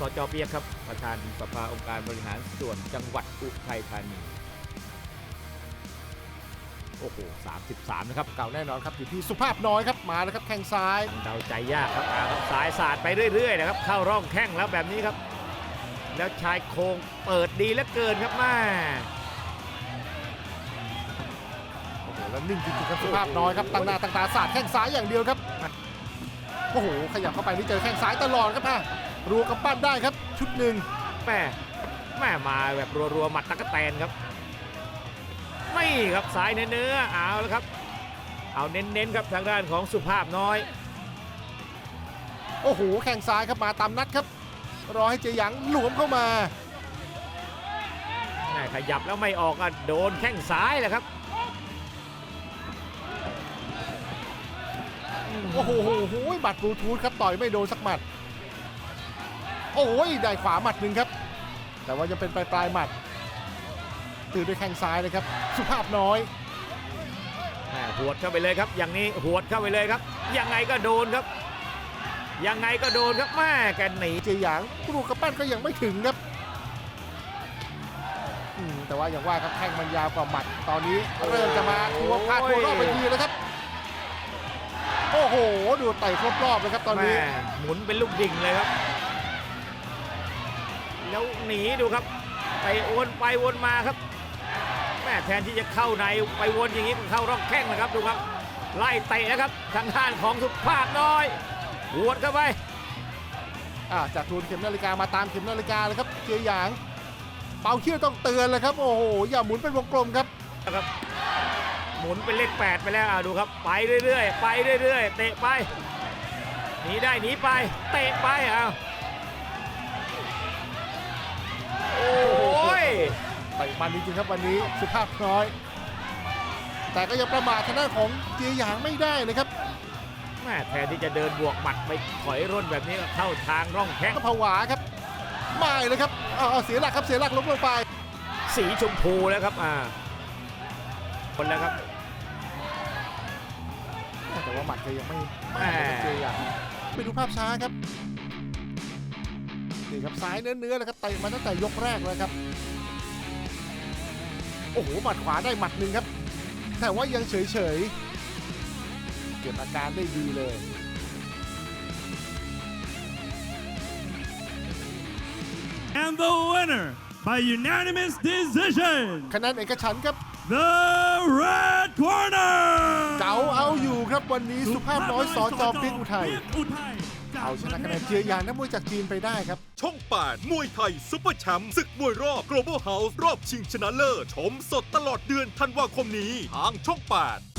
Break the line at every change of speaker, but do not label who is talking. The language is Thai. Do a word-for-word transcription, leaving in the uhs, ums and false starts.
สจ.เปียกครับประธานสภาองค์การบริหารส่วนจังหวัดอุทัยธานีโอ้โหสามสิบสามนะครับ
เก่าแน่นอนครับอยู่ที่สุภาพน้อยครับมาแล้วครับแข้งซ้าย
เดาใจยากครับอาครับสายสาดไปเรื่อยๆนะครับเข้าร่องแข้งแล้วแบบนี้ครับแล้วชายโครงเปิดดีเหลือเกินครับแม่
โอ้โหแล้วนิ่งจริงๆครับสุภาพน้อยครับตั้งหน้าตั้งตาสาดแข้งซ้ายอย่างเดียวครับโอ้โหขยับเข้าไปนี่เจอแข้งซ้ายตลอดครับอ่ะรัวกำปั้นได้ครับชุดหนึ่ง
แม่แม่มาแบบรัวๆหมัดตะกแตนครับไม่ครับสายเนื้อๆเอาแล้วครับเอาเน้นๆครับทางด้านของสุภาพน้อย
โอ้โหแข้งซ้ายครับมาตามนัดครับรอให้เจหยางหลวมเข้ามา
แม่ขยับแล้วไม่ออกอ่ะโดนแข้งซ้ายแหละครับ
โอ้โหหมัดบลูทูธครับต่อยไม่โดนสักหมัดโอ้ยได้ขวาหมัดหนึ่งครับแต่ว่ายังเป็นปลายปลายหมัดตื่นด้วยแข้งซ้ายเลยครับสุภาพน้อย
แม่หวดเข้าไปเลยครับอย่างนี้หวดเข้าไปเลยครับยังไงก็โดนครับยังไงก็โดนครับแม่แกหนี
เจหยางลูกกระปั้นก็ยังไม่ถึงครับอืมแต่ว่าอย่างว่าครับแข้งมันยาวกว่าหมัดตอนนี้เริ่มจะมาทัวพาทัวรอบไปทีแล้วครับโอ้โหดูไต่ครบรอบเลยครับตอนนี้
แม่หมุนเป็นลูกดิ่งเลยครับแล้วหนีดูครับไปวนไปวนมาครับแม่แทนที่จะเข้าในไปวนอย่างนี้ก็เข้าร่องแข้งนะครับดูครับไล่เตะนะครับทางด้านของสุภาพน้อยหวดเข้าไป
อ่าจากทูนเข็มนาฬิกามาตามเข็มนาฬิกาเลยครับเจหยางเป่าเขี้ยวต้องเตือนเลยครับโอ้โหอย่าหมุนเป็นวงกลมครับ
นะครับหมุนเป็นเลขแปดไปแล้วอ่ะดูครับไปเรื่อยๆไปเรื่อยๆเตะไปหนีได้หนีไปเตะไปอ้าวโอ้ย
ไปมันจริงๆครับวันนี้สุภาพน้อย แต่ก็ยังประมาททางด้านของเจหยางไม่ได้นะครับ
แม่แทนที่จะเดินบวกหมัดไปถอยร่นแบบนี้ก็เข้าทางร่องแข้ง
ก็ผวาครับไม่เลยครับเอาเอาเสียหลักครับเสียหลักล้มลงไป
สีชมพูแล้วครับอ่าคนแล้วครับ
แต่ว่าหมัดแกยังไม่
แม่
ไม่เจหยางไปดูภาพช้าครับนี่ครับซ้ายเนื้อๆเลยครับเตะมาตั้งแต่ยกแรกเลยครับโอ้โหหมัดขวาได้หมัดหนึ่งครับแต่ว่ายังเฉยๆเก็บอาการได้ดีเลย
And the winner by unanimous decision,
คะแนนเอกฉันท์ครับ
the red corner
เก๋าเอาอยู่ครับวันนี้สุภาพน้อยสจเปียกอุทัย
อุทัย
เอาชนะคะแนนเจียหยางนักมวยจากจีนไปได้ครับ
ช่องแปดมวยไทยซุปเปอร์แชมป์ศึกมวยรอบ Global House รอบชิงชนะเลิศชมสดตลอดเดือนธันวาคมนี้ทางช่องแปด